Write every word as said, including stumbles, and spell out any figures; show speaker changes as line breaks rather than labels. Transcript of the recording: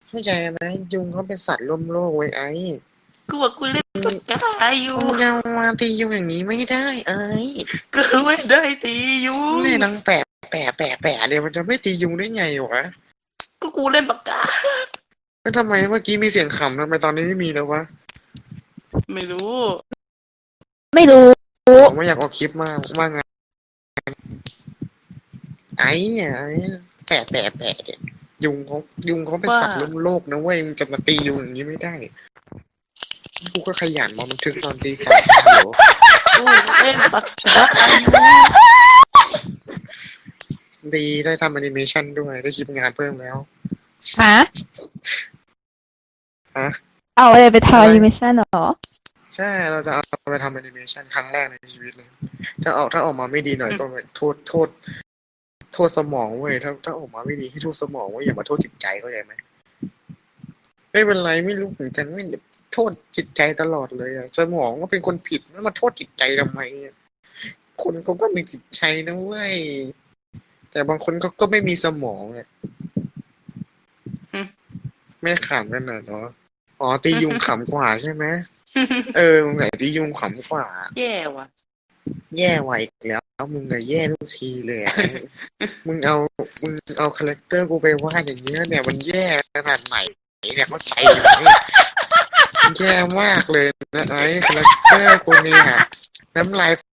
เข้าใจไหมยุงเขาเป็นสัตว์ร่วมโลกเว้ยไอ้
กูบอกกูเล่นปากกาอยู่
มึงจะมาตียุงอย่างนี้ไม่ได้ไอ้
กูไม่ได้ตียุง
เนี่ยนังแปะแปะแปะแปะเดี๋ยวมันจะไม่ตียุงได้ไงวะ
ก็กูเล่นปากกา
แล้วทำไมเมื่อกี้มีเสียงขำทำไมตอนนี้ไม่มีแล้ววะ
ไม่รู้
ไม่รู้
ผมไม่อยากออกคลิปมากว่าไงไอ้เนี่ยไอ้แปะแปะแปะเนี่ยยุงเขายุงเขาเป็นสัตว์ร่วมโลกนะเว้ยมึงจะมาตียุงอย่างนี้ไม่ได้กูก็ขยันมาบันทึกตอนตีสามเดี๋ยว
กูเล่นปากกาอยู่
ดีได้ทำแอนิเมชันด้วยได้คลิปงานเพิ่มแล้ว
ฮะ
ฮะ
เอาอะไรไปทำแอนิเมชันหรอ
ใช่เราจะเอาไปทำแอนิเมชันครั้งแรกในชีวิตเลยถ้าออกถ้าออกมาไม่ดีหน่อยก็โทษโทษโทษสมองเว้ยถ้าถ้าออกมาไม่ดีให้โทษสมองเว้ยอย่ามาโทษจิตใจเข้าใจไหมไม่เป็นไรไม่รู้เหมือนกันไม่โทษจิตใจตลอดเลยอะสมองก็เป็นคนผิดแล้วมาโทษจิตใจทำไมอะคนเขาก็มีจิตใจนะเว้ยแต่บางคนเขาก็ไม่มีสมองอะไม่ขำกันหน่อยเนาะอ๋อตียุงขำกว่าใช่ไหมเออมึงไหนตียุงขำกว่า
แย่ว่ะ
แย่ไวอีกแล้วมึงอะแย่ทุกทีเลยอะมึงเอามึงเอาคาแรคเตอร์กูไปวาดอย่างเงี้ยเนี่ยมันแย่ขนาดไหนเนี่ยเข้าใจไหมมันแย่มากเลยนะไอ้คาแรคเตอร์กูเนี่ยน้ำลาย